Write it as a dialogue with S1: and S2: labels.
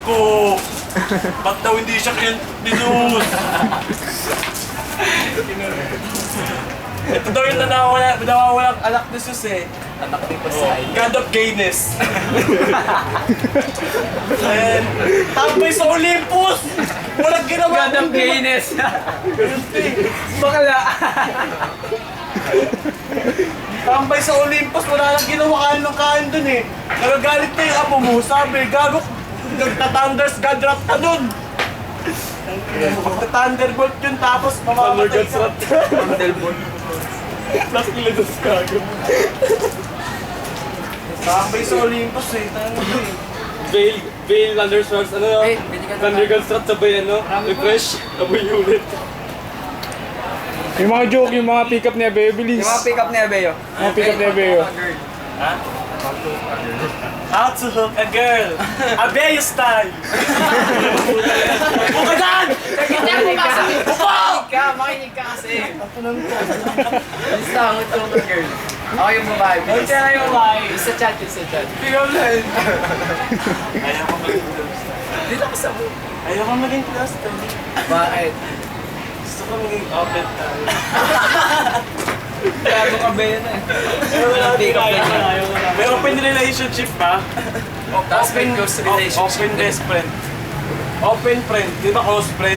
S1: ko. Ba't daw hindi siya kinus? Ito daw yung nawawalang anak ni Sus eh.
S2: Anak ni Pasay.
S1: God of gayness. Ayan. Tambay sa Olympus! Walang ginawa.
S2: God of gayness. Bakla.
S1: Tambay sa Olympus, wala nang ginawa kain ng kain dun eh. Nagagalit na yung amo mo, sabi, gago, nagta-thunders God rap ka dun. Magta-thunderbolt yun, tapos mamamatay ka.
S2: Thunderbolt.
S1: Plus kilados gago. Tambay sa Olympus eh, tanong mo eh.
S3: Veil, Thunderstorms, ano?
S2: Hey, pwede ka
S3: Thunder Construct sabay ano? Refresh, sabay unit.
S4: Yung mga joke, yung mga pick-up ni Abeo, bilis.
S2: Yung mga pick up ni Abeo.
S4: Mga pick-up ni Abeo.
S1: How to hook a girl. Abeo style. Buka dyan!
S2: Makinig ka, makinig ka kasi. Alis na, ang ito ng girl. Ako yung babae.
S1: Ay, siya na yung babae.
S2: Isa chat, isa chat.
S1: Ikaw lang. Ayaw ko maging
S2: Dito ka sa mo.
S1: Ayaw ko maging close to.
S2: Bakit?
S1: Gusto ko maging open tayo.
S2: Gago ka ba yun eh? Pick up na yun.
S1: May open relationship pa?
S2: Tapos may close relationship
S1: Open
S2: din.
S1: best friend. Open friend. Di ba close friend?